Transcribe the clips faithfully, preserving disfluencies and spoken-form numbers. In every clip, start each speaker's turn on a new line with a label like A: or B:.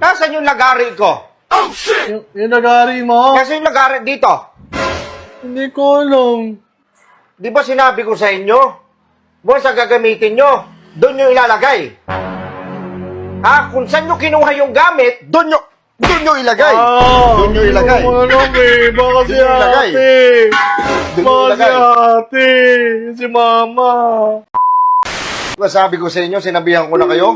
A: Nasaan yung lagari ko?
B: Yung, yung nagari mo?
A: Nasaan yung lagari dito?
B: Hindi ko alam.
A: Di ba sinabi ko sa inyo? Buwan sa gagamitin nyo, doon nyo ilalagay. Ha? Kung saan nyo kinuha yung gamit, doon nyo, doon nyo ilagay.
B: Ah,
A: Doon nyo ilagay.
B: Hindi ko alam eh. Baka si
A: Doon nyo ilagay.
B: ate.
A: Doon nyo
B: Baka si
A: ilagay.
B: ate. Si mama.
A: Diba sabi ko sa inyo, sinabihan ko na kayo?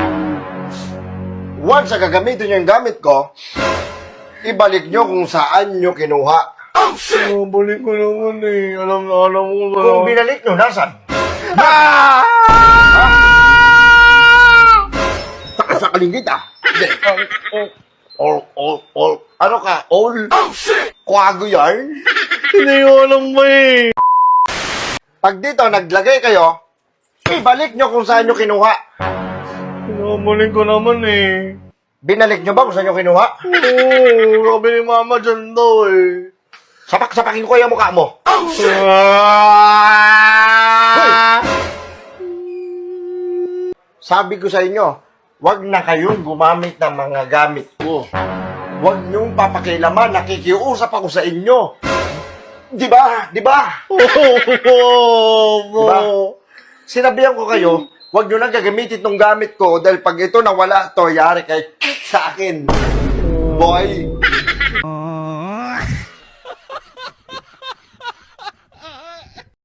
A: Once sa gagamitin nyo yung gamit ko, ibalik nyo kung saan nyo kinuha.
B: Oh, balik ko naman eh. Alam na alam ko ba?
A: Kung binalik nyo, nasan?
B: Ah!
A: Saka sa kalinggit ah. Hindi. All, all, all. Ano ka? All? Kwago yarn?
B: Hindi ko alam ba eh.
A: Pag dito, naglagay kayo, ibalik nyo kung saan nyo kinuha.
B: Pinabalik ko naman eh.
A: Binalik nyo ba kung saan nyo kinuha?
B: Oo, sabi ni mama dyan daw eh.
A: Sapak-sapakin ko yung mukha mo.
B: Ah!
A: Sabi ko sa inyo, wag na kayong gumamit ng mga gamit ko. Wag nyong papakilaman, nakikiusap ako sa inyo. Di ba? Di ba? Diba? Sinabihan ko kayo, wag nyo na gagamitin itong gamit ko dahil pag ito nawala to, yari kay sa akin. Boy.